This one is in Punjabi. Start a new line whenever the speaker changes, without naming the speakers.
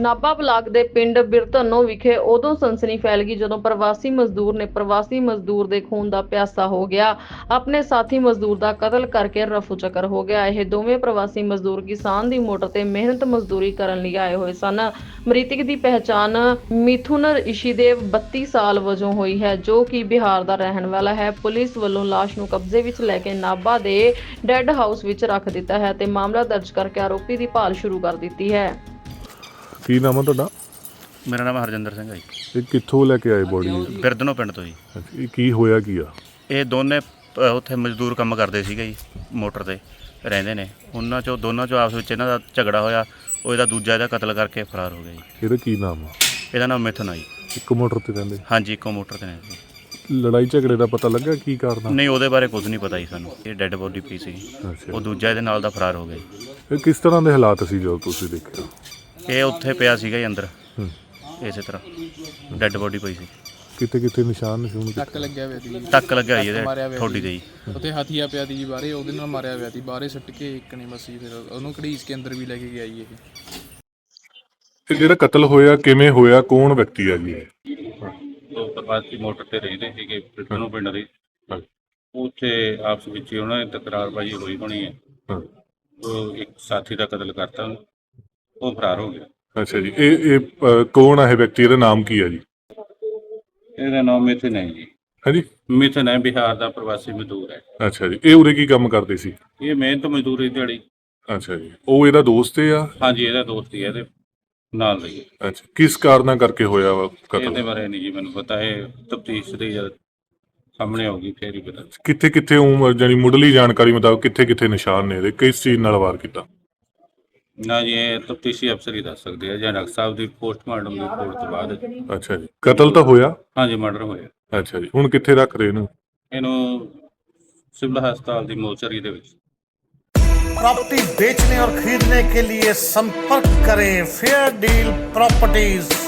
ਨਾਭਾ ਬਲਾਕ ਦੇ ਪਿੰਡ ਬਿਰਧਨੋ ਵਿਖੇ ਉਦੋਂ ਸਨਸਨੀ ਫੈਲ ਗਈ ਜਦੋਂ ਪ੍ਰਵਾਸੀ ਮਜ਼ਦੂਰ ਨੇ ਪ੍ਰਵਾਸੀ ਮਜ਼ਦੂਰ ਦੇ ਖੂਨ ਦਾ ਪਿਆਸਾ ਹੋ ਗਿਆ। ਆਪਣੇ ਸਾਥੀ ਮਜ਼ਦੂਰ ਦਾ ਕਤਲ ਕਰਕੇ ਰਫੂ ਚੱਕਰ ਹੋ ਗਿਆ। ਇਹ ਦੋਵੇਂ ਪ੍ਰਵਾਸੀ ਮਜ਼ਦੂਰ ਕਿਸਾਨ ਦੀ ਮੋਟਰ ਤੇ ਮਿਹਨਤ ਮਜ਼ਦੂਰੀ ਕਰਨ ਲਈ ਆਏ ਹੋਏ ਸਨ। ਮ੍ਰਿਤਕ ਦੀ ਪਹਿਚਾਣ ਮਿਥੁਨ ਇਸ਼ੀਦੇਵ 32 ਸਾਲ ਵਜੋਂ ਹੋਈ ਹੈ, ਜੋ ਕਿ ਬਿਹਾਰ ਦਾ ਰਹਿਣ ਵਾਲਾ ਹੈ। ਪੁਲਿਸ ਵੱਲੋਂ ਲਾਸ਼ ਨੂੰ ਕਬਜ਼ੇ ਵਿੱਚ ਲੈ ਕੇ ਨਾਭਾ ਦੇ ਡੈੱਡ ਹਾਊਸ ਵਿੱਚ ਰੱਖ ਦਿੱਤਾ ਹੈ ਤੇ ਮਾਮਲਾ ਦਰਜ ਕਰਕੇ ਆਰੋਪੀ ਦੀ ਭਾਲ ਸ਼ੁਰੂ ਕਰ ਦਿੱਤੀ ਹੈ।
ਕੀ ਨਾਮ ਆ ਤੁਹਾਡਾ?
ਮੇਰਾ ਨਾਮ ਹਰਜਿੰਦਰ ਸਿੰਘ ਹੈ ਜੀ।
ਇਹ ਕਿੱਥੋਂ ਲੈ ਕੇ ਆਏ ਬੋਡੀ?
ਬਿਰਧਨੋ ਪਿੰਡ ਤੋਂ ਜੀ।
ਇਹ ਕੀ ਹੋਇਆ ਕੀ ਆ?
ਇਹ ਦੋਨੇ ਉੱਥੇ ਮਜ਼ਦੂਰ ਕੰਮ ਕਰਦੇ ਸੀਗੇ ਜੀ, ਮੋਟਰ ਤੇ ਰਹਿੰਦੇ ਨੇ। ਉਹਨਾਂ ਚੋਂ ਦੋਨਾਂ ਚੋਂ ਆਪਸ ਵਿੱਚ ਇਹਨਾਂ ਦਾ ਝਗੜਾ ਹੋਇਆ। ਉਹ ਇਹਦਾ ਦੂਜਾ ਇਹਦਾ ਕਤਲ ਕਰਕੇ ਫਰਾਰ ਹੋ ਗਿਆ ਜੀ।
ਇਹਦਾ ਕੀ ਨਾਮ ਆ?
ਇਹਦਾ ਨਾਮ ਮਿਥੁਨ ਆ ਜੀ।
ਇੱਕ ਮੋਟਰ ਤੇ ਰਹਿੰਦੇ?
ਹਾਂਜੀ, ਇੱਕੋ ਮੋਟਰ ਤੇ ਨੇ ਜੀ।
ਲੜਾਈ ਝਗੜੇ ਦਾ ਪਤਾ ਲੱਗਾ ਕੀ ਕਾਰਨ ਆ?
ਨਹੀਂ, ਉਹਦੇ ਬਾਰੇ ਕੁਝ ਨਹੀਂ ਪਤਾ ਜੀ ਸਾਨੂੰ। ਇਹ ਡੈੱਡ ਬੋਡੀ ਪਈ ਸੀ,
ਅੱਛਾ।
ਉਹ ਦੂਜਾ ਇਹਦੇ ਨਾਲ ਦਾ ਫਰਾਰ ਹੋ ਗਿਆ ਜੀ।
ਇਹ ਕਿਸ ਤਰ੍ਹਾਂ ਦੇ ਹਾਲਾਤ ਸੀ ਜਦੋਂ ਤੁਸੀਂ ਦੇਖਿਆ?
ਇਹ ਉੱਥੇ ਪਿਆ ਸੀਗਾ ਜੀ ਅੰਦਰ,
ਹੂੰ।
ਇਸੇ ਤਰ੍ਹਾਂ ਡੈੱਡ ਬੋਡੀ ਪਈ ਸੀ।
ਕਿਤੇ ਕਿਤੇ ਨਿਸ਼ਾਨ ਨਿਸ਼ੂਨ
ਟੱਕ ਲੱਗਿਆ ਹੋਇਆ ਸੀ।
ਟੱਕ ਲੱਗਿਆ ਜੀ ਇਹਦੇ ਠੋਡੀ ਤੇ ਜੀ।
ਉੱਥੇ ਹਥੀਆ ਪਿਆ ਸੀ ਜੀ ਬਾਹਰੇ, ਉਹਦੇ ਨਾਲ ਮਾਰਿਆ ਹੋਇਆ ਸੀ। ਬਾਹਰੇ ਸੁੱਟ ਕੇ ਇੱਕ ਨੇ ਮੱਸੀ, ਫਿਰ ਉਹਨੂੰ ਘੜੀਸ ਕੇ ਅੰਦਰ ਵੀ ਲੈ ਕੇ ਗਿਆ ਜੀ।
ਇਹ ਜਿਹੜਾ ਕਤਲ ਹੋਇਆ ਕਿਵੇਂ ਹੋਇਆ, ਕੌਣ ਵਿਅਕਤੀ ਆ ਜੀ?
ਉਹ ਪ੍ਰਵਾਸੀ ਮੋਟਰ ਤੇ ਰਹਿੰਦੇ ਸੀਗੇ ਬਿਰਧਨੋ ਪਿੰਡ ਦੇ। ਉੱਥੇ ਆਪਸ ਵਿੱਚ ਉਹਨਾਂ ਨੇ ਤਕਰਾਰਬਾਜ਼ੀ ਹੋਈ ਹੋਣੀ ਹੈ। ਉਹ ਇੱਕ ਸਾਥੀ ਦਾ ਕਤਲ ਕਰਤਾ, ਉਹ ਫਰਾਰ ਹੋ ਗਿਆ।
ਅੱਛਾ ਜੀ। ਇਹ ਕੌਣ ਆ ਇਹ ਵਿਅਕਤੀ? ਇਹਦਾ ਨਾਮ ਕੀ ਆ ਜੀ?
ਇਹਦਾ ਨਾਮ ਮਿਥੁਨ ਹੈ ਜੀ।
ਹਾਂਜੀ,
ਮਿਥੁਨ ਹੈ, ਬਿਹਾਰ ਦਾ ਪ੍ਰਵਾਸੀ ਮਜ਼ਦੂਰ ਹੈ।
ਅੱਛਾ ਜੀ। ਇਹ ਉਰੇ ਕੀ ਕੰਮ ਕਰਦੇ ਸੀ?
ਇਹ ਮਿਹਨਤ ਮਜ਼ਦੂਰੀ ਦਿਹਾੜੀ।
ਅੱਛਾ ਜੀ। ਉਹ ਇਹਦਾ ਦੋਸਤ ਹੈ ਆ?
ਹਾਂਜੀ, ਇਹਦਾ ਦੋਸਤ ਹੀ ਹੈ, ਇਹਦੇ ਨਾਲ ਦਾ ਹੀ।
ਅੱਛਾ। ਕਿਸ ਕਾਰਨਾਂ ਕਰਕੇ ਹੋਇਆ ਵਾ
ਇਹਦੇ
ਕਤਲ?
ਬਾਰੇ ਨਹੀਂ ਜੀ ਮੈਨੂੰ ਪਤਾ। ਇਹ ਤਫਤੀਸ਼ ਦੀ ਜਦ ਸਾਹਮਣੇ ਆਉਗੀ ਫੇਰ ਹੀ ਪਤਾ।
ਕਿੱਥੇ ਕਿੱਥੇ ਜਾਨੀ ਮੁੱਢਲੀ ਜਾਣਕਾਰੀ ਮੁਤਾਬਕ ਕਿੱਥੇ ਕਿੱਥੇ ਨਿਸ਼ਾਨ ਨੇ ਇਹਦੇ? ਕਿਸ ਚੀਜ਼ ਨਾਲ ਵਾਰ ਕੀਤਾ?
ਨਾ ਜੀ, ਇਹ ਤਫਤੀਸ਼ੀ ਅਫਸਰ ਹੀ ਦੱਸ ਸਕਦੇ ਆ, ਜਾਂ ਡਾਕਟਰ ਸਾਹਿਬ ਦੀ ਪੋਸਟਮਾਰਟਮ ਦੀ ਰਿਪੋਰਟ ਤੋਂ ਬਾਅਦ।
ਅੱਛਾ ਜੀ। ਕਤਲ ਤਾਂ ਹੋਇਆ?
ਹਾਂਜੀ, ਮਰਡਰ ਹੋਇਆ।
ਅੱਛਾ ਜੀ। ਹੁਣ ਕਿੱਥੇ ਰੱਖ ਰਹੇ ਇਹਨੂੰ?
ਇਹਨੂੰ ਸਿਵਲ ਹਸਪਤਾਲ ਦੀ ਮੋਰਚਰੀ ਦੇ ਵਿੱਚ।
प्रॉपर्टी बेचने और खरीदने के लिए संपर्क करें फेयर डील प्रॉपर्टीज।